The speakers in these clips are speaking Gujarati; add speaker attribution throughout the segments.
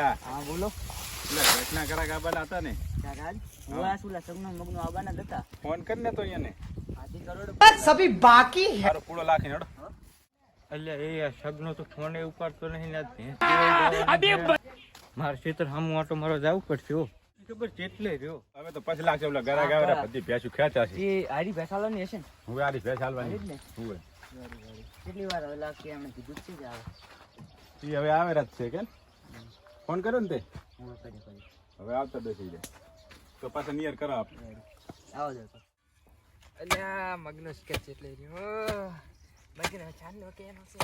Speaker 1: ભયા
Speaker 2: હા બોલો.
Speaker 1: એટલે ઘટના કરા ગાબાના હતા ને
Speaker 2: રાજ હુઆ સુલા સગનો મગનો આવવાના જ હતા.
Speaker 1: ફોન કરીને તો અહીંયા ને
Speaker 2: આથી કરોડ
Speaker 3: सभी बाकी है।
Speaker 1: મારો પૂળો લાખી હેડો.
Speaker 4: એટલે એ સગનો તો ફોને ઉપાડતો નહીં ને મારે ખેતર સામું આટો મારો જવું પડશે હો. ખબર કેટલે રહ્યો
Speaker 1: હવે તો પછી લાગશે ઓલા ગરા ગાવરા બધી ભેંસું ખેંચા છે.
Speaker 2: એ હારી બેસાડવાની હશે ને.
Speaker 1: હવે આરી ભેંસ હાલવાની
Speaker 2: જ ને.
Speaker 1: હવે
Speaker 2: કેટલી વાર હવે લાગશે એમણે કીધું જ છે જ આવે.
Speaker 1: ઈ હવે આવે જ છે કે ફોન કર્યો ને તે
Speaker 2: હું કરી
Speaker 1: હવે આવતા બેસી જાય તો પાછા નિયર કરો આપણે.
Speaker 2: આવો જો તો.
Speaker 3: અલ્યા મગનો સ્કેચ એટલે રહ્યો મગનો ચાંદલો કેનો છે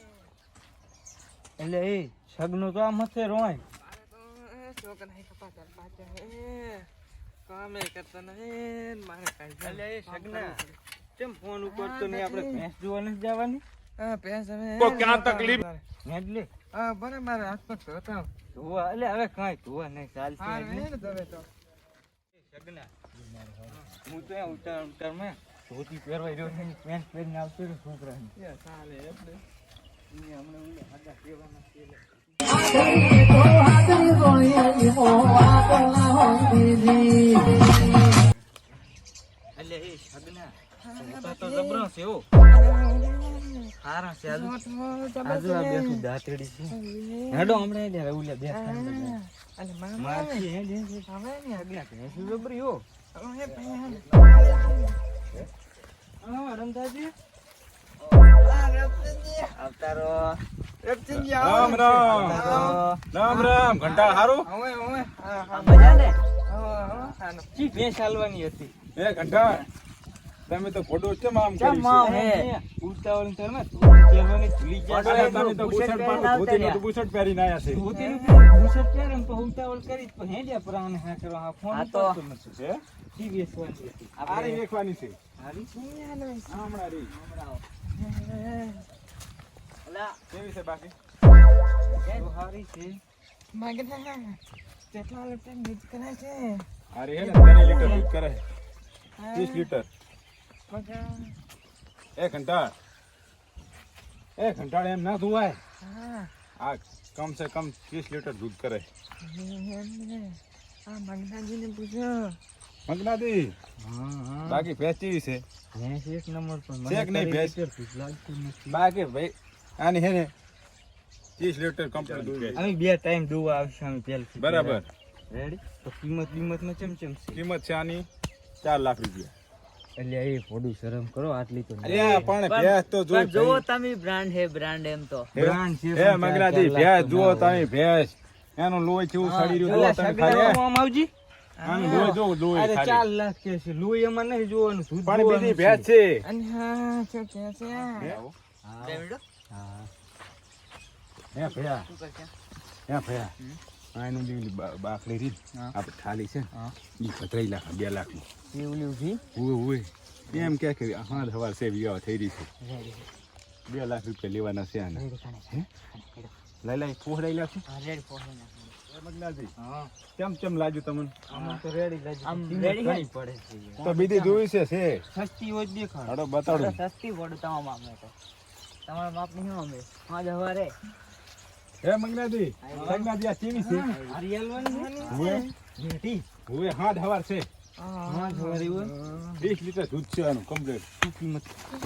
Speaker 4: એટલે એ સગનો તો આ મથે રોય
Speaker 3: છોકરા નહીં કપાતા પાછા હે કામે કરતા નહીં મારે કાઈ
Speaker 4: એટલે એ સગના કેમ ફોન ઉપાડતો નહીં? આપણે ભેંસ જોવા નથી જવાની?
Speaker 3: હા પેસ હવે
Speaker 1: તો ક્યાં તકલીફ
Speaker 4: એટલે
Speaker 3: હા બરાબર હાથ પગ ધોતા
Speaker 4: ધોવા એટલે હવે કાંઈ ધોવા નહીં ચાલશે
Speaker 3: હા
Speaker 4: એટલે.
Speaker 3: ને ધોવે તો
Speaker 4: સગના હું તો ઉતાર ઉતારમાં ધોતી પહેરવાઈ રહ્યો છે, પેન્ટ પહેરીને આવતો રહ્યો છોકરાને.
Speaker 3: એ ચાલે એટલે
Speaker 4: હમણાં ઓલા હાડા કહેવાના છે એટલે. એટલે એ સગના ધોતા તો જબરો છે હો. હારા છે આજુ આજુ આ બેઠું દાંતડી છે. હેડો હમણાં એટલે ઓલા બે
Speaker 3: અને
Speaker 4: મારથી હે
Speaker 3: હવે ને
Speaker 4: સગના ભેંસું જબરી હો.
Speaker 3: હવે ભાઈ
Speaker 4: હા રમતાજી આવતારો.
Speaker 1: રામ રામ રામ રામ ઘંટા હારું
Speaker 3: હવે હવે હા હા
Speaker 4: મજા ને
Speaker 3: હા
Speaker 4: ચી ભેંસ હાલવાની હતી?
Speaker 1: એ ઘંટા તમે તો ફોટો કેમ આમ કરી
Speaker 4: કેમ આમ
Speaker 1: છે?
Speaker 4: હે ઉતાવળ તમે પહેરવાની ભૂલી ગયા
Speaker 1: અરે
Speaker 4: છો.
Speaker 1: તમે તો બુશર્ટ પાડો ધોતીનું તો બુશર્ટ પહેરીને આયા છે.
Speaker 4: ધોતીનું બુશર્ટ પહેરે ને તો ઉતાવળ કરી તો હેડ્યા પરાને હા કરવા હા ફોન
Speaker 2: આ તો-
Speaker 4: ઉપાડતો નથી.
Speaker 1: છે
Speaker 4: ચી બેસવાની હતી?
Speaker 1: આરી વેખવાની છે
Speaker 4: હારી
Speaker 1: હમણાં રી
Speaker 2: અલા
Speaker 1: કેવી છે બાકી
Speaker 4: તો હારી છે.
Speaker 3: મગના કેટલા લીટર દૂધ કરે છે
Speaker 1: આરી હે ને 3 લીટર દૂધ કરે 30 લીટર.
Speaker 3: મગા
Speaker 1: એ ઘંટાળ એમ ના ધોવાય.
Speaker 3: હા
Speaker 1: આ કમ સે કમ 30 લીટર દૂધ કરે.
Speaker 3: આ મગનાજીને પૂછો
Speaker 1: મગનાદી
Speaker 4: હા હા
Speaker 1: બાકી ભેંસ કેવી છે?
Speaker 4: ભેંસ એક નંબર પર મને
Speaker 1: છે કે નહીં
Speaker 4: તારી
Speaker 1: ભેંસ?
Speaker 4: લીટર ભૂખ લાગતી નથી.
Speaker 1: બાકી ભાઈ આની હે ને 30 લીટર કમ્પ્લીટ દૂધ છે.
Speaker 4: અમે બે ટાઈમ દોવા આવશે અમે પહેલથી.
Speaker 1: બરાબર.
Speaker 4: રેડી તો કિંમત માં ચમચમ છે.
Speaker 1: કિંમત છે આની 4 લાખ રૂપિયા.
Speaker 4: એટલે એ થોડું શરમ કરો આટલી તો
Speaker 1: અરે પણ ભેંસ તો જો
Speaker 2: પણ જોવો તમે બ્રાન્ડ હે બ્રાન્ડ એમ તો
Speaker 4: બ્રાન્ડ છે
Speaker 1: હે મગનાદી ભેંસ જુઓ તમે ભેંસ એનું લોહી કેવું સડી રહ્યું જુઓ તમે ખાલી
Speaker 4: આવજી.
Speaker 1: આનું લોહી જો લોહી
Speaker 4: અરે
Speaker 1: ખાલી
Speaker 4: 4 લાખ કે છે લોહી એમાં નહીં જોવાનું દૂધ
Speaker 1: પણ બીજી
Speaker 4: જોવાનું
Speaker 1: ભેંસ
Speaker 4: છે.
Speaker 1: છે.
Speaker 3: અને હા શું કે છે
Speaker 1: હે?
Speaker 4: હા.
Speaker 2: બે મિનિટ
Speaker 4: હા.
Speaker 1: હે ભૈયા
Speaker 2: શું કરશે
Speaker 1: હે ભૈયા આનું જે બાકડી રીત
Speaker 4: હા.
Speaker 1: આપણે થાળી છે
Speaker 4: હા.
Speaker 1: ઈ 3 લાખ 2 લાખ ની
Speaker 4: કેવલી ઉભી
Speaker 1: ઓય એમ કે હા હવાર છે વિવાહ થઈ રહી છે 2 લાખ રૂપિયા લેવાના છે આના લઈ લઈ પોહડાઈ લાખું
Speaker 2: રેડી પહોંચી નાખો.
Speaker 1: મગનાજી
Speaker 4: હા
Speaker 1: કેમ કેમ લાગ્યું તમને?
Speaker 4: આમાં તો રેડી લાગી
Speaker 2: આમ
Speaker 4: કિંમત
Speaker 2: ready
Speaker 4: ઘણી
Speaker 2: હે?
Speaker 4: પડે છે
Speaker 1: તો બીજી જોઈ છે
Speaker 4: સસ્તી હોય તો દેખાડ.
Speaker 1: હાડો બતાડું
Speaker 2: સસ્તી પડે તમારા માપ તો તમારા માપ નહીં અમે હા હવારે
Speaker 1: હે મગનાજી મગનાજી આ કેવી છે?
Speaker 4: હરિયાલવાની
Speaker 1: હુએ
Speaker 4: બેટી
Speaker 1: હુએ હાથ હવાર છે
Speaker 4: હા જોરી હોય
Speaker 1: 20 લીટર દૂધ છે આનું કમ્પ્લીટ.
Speaker 4: શું કિંમત?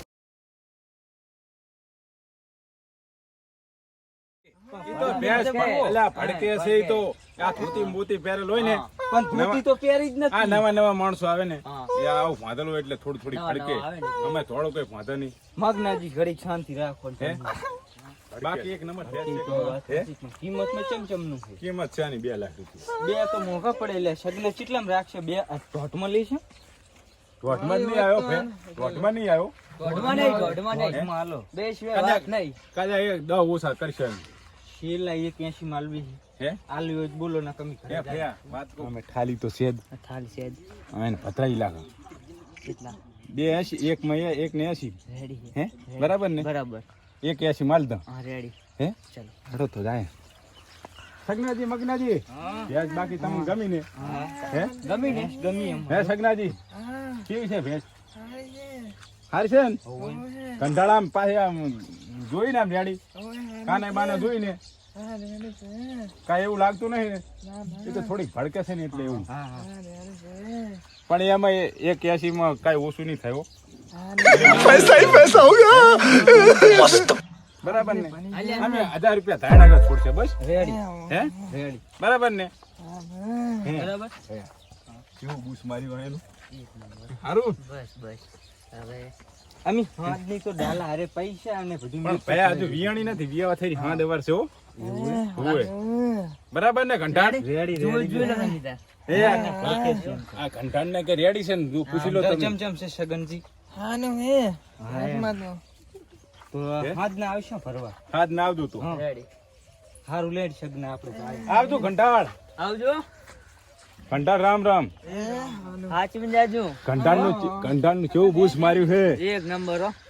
Speaker 1: ઈ તો ભેંસ પેલા ભડકે છે ઈ તો આ ધોતી મોતી પહેરેલ હોય ને
Speaker 4: પણ ધોતી તો પહેરી જ
Speaker 1: આ
Speaker 4: નથી.
Speaker 1: નવા માણસો આવે ને
Speaker 2: હા.
Speaker 1: એ આવું ભાંધેલું હોય એટલે થોડી થોડી
Speaker 2: નવા
Speaker 1: ફડકે
Speaker 2: આવે ને.
Speaker 1: અમે થોડો કોઈ ભાંધે નહીં.
Speaker 4: મગનાજી ઘડી શાંતિ રાખો ને
Speaker 1: હે?
Speaker 4: તમે.
Speaker 1: બાકી એક નંબર ભેંસ
Speaker 4: ઈ
Speaker 1: છે.
Speaker 4: તો વાત
Speaker 1: હે?
Speaker 4: સાચી, પણ કિંમતમાં ચમચમનું છે.
Speaker 1: કિંમત છે આની 2 લાખ રૂપિયા.
Speaker 4: બે તો મોંઘા પડે એટલે સગને કેટલામાં રાખશે? બે ધોટમાં લઈશું.
Speaker 1: ધોધમાં જ નહીં આવ્યો ભેંસ. ધોધમાં નહીં આવ્યો
Speaker 2: ગોઢમાં નહીં ગોઢમાં નહીં
Speaker 4: ધોટમાં હાલો.
Speaker 2: બે સિવાય વાત નહીં
Speaker 1: કાજા એક 10 ઓછા કરશે એમ.
Speaker 4: શેલા 81 માં આલવી છે.
Speaker 1: હે
Speaker 4: આલવી હોય તો બોલો ના કમી
Speaker 1: હે
Speaker 4: કરી
Speaker 1: ભૈયા વાત કહું અમે થાળી તો છે જ
Speaker 2: થાળી છે જ.
Speaker 1: એને 15 લાખ
Speaker 2: કેટલા
Speaker 1: 280 એક માં એક ને 80
Speaker 2: રેડી
Speaker 1: હે બરાબર ને
Speaker 2: બરાબર
Speaker 1: 180 માલ દો
Speaker 2: હા રેડી
Speaker 1: હે
Speaker 2: ચાલો
Speaker 1: હડો તો જાય સગનાજી મગનાજી ભેંસ બાકી તમને ગમી ને હે
Speaker 4: ગમી ને ગમી એમ
Speaker 1: હે સગનાજી
Speaker 3: હા
Speaker 1: કેવી છે ભેંસ?
Speaker 3: સારી છે
Speaker 1: હારી છે ને
Speaker 3: ઓય
Speaker 1: કંટાળામાં પાછી આમ જોઈને આમ જાડી
Speaker 3: ઓય
Speaker 1: કાને બાને જોઈને
Speaker 3: હા રેડી છે
Speaker 1: કાંઈ એવું લાગતું નહીં ને
Speaker 3: ના ના
Speaker 1: એ તો થોડીક ભડકે છે ને એટલે એવું
Speaker 4: હા હા
Speaker 3: હા રેડી છે
Speaker 1: પણ એમાં 81 માં કાંઈ ઓછું નહીં થયું બરાબર ને અમે 1000 રૂપિયા ધાણ આગળ છોડશે બસ
Speaker 4: રેડી
Speaker 1: હે
Speaker 4: રેડી
Speaker 1: બરાબર ને હે.
Speaker 4: બરાબર
Speaker 1: કેવું બૂસ માર્યું એનું સારું
Speaker 4: બસ બસ હવે અમે હાથની તો ડાલા હારે પૈસા અને બધું
Speaker 1: પણ ભયા હજુ વિયાણી નથી વિયાવા થઈ હા દવાર છે હો હોય બરાબર ને ઘંટાડ
Speaker 4: રેડી
Speaker 2: જોઈ
Speaker 4: રેડી
Speaker 2: લો નહીં
Speaker 1: એ આ ઘંટાડ ને કે રેડી છે ને તું પૂછી લો તમે
Speaker 4: ચમ ચમ છે સગનજી
Speaker 3: હા નો હે
Speaker 4: હા
Speaker 3: હાથમાં તો
Speaker 4: તો હાથ ના આવશે ફરવા
Speaker 1: હાથ ના આવતું તું
Speaker 4: હા
Speaker 2: રેડી
Speaker 4: હારું લેડ સગના આપણે
Speaker 1: આવતું ઘંટાડ
Speaker 2: આવજો
Speaker 1: ઘંટાડ રામ રામ
Speaker 2: હાચવી જાજો
Speaker 1: ઘંટાડ નું કેવું બૂસ માર્યું છે
Speaker 2: એક નંબર હો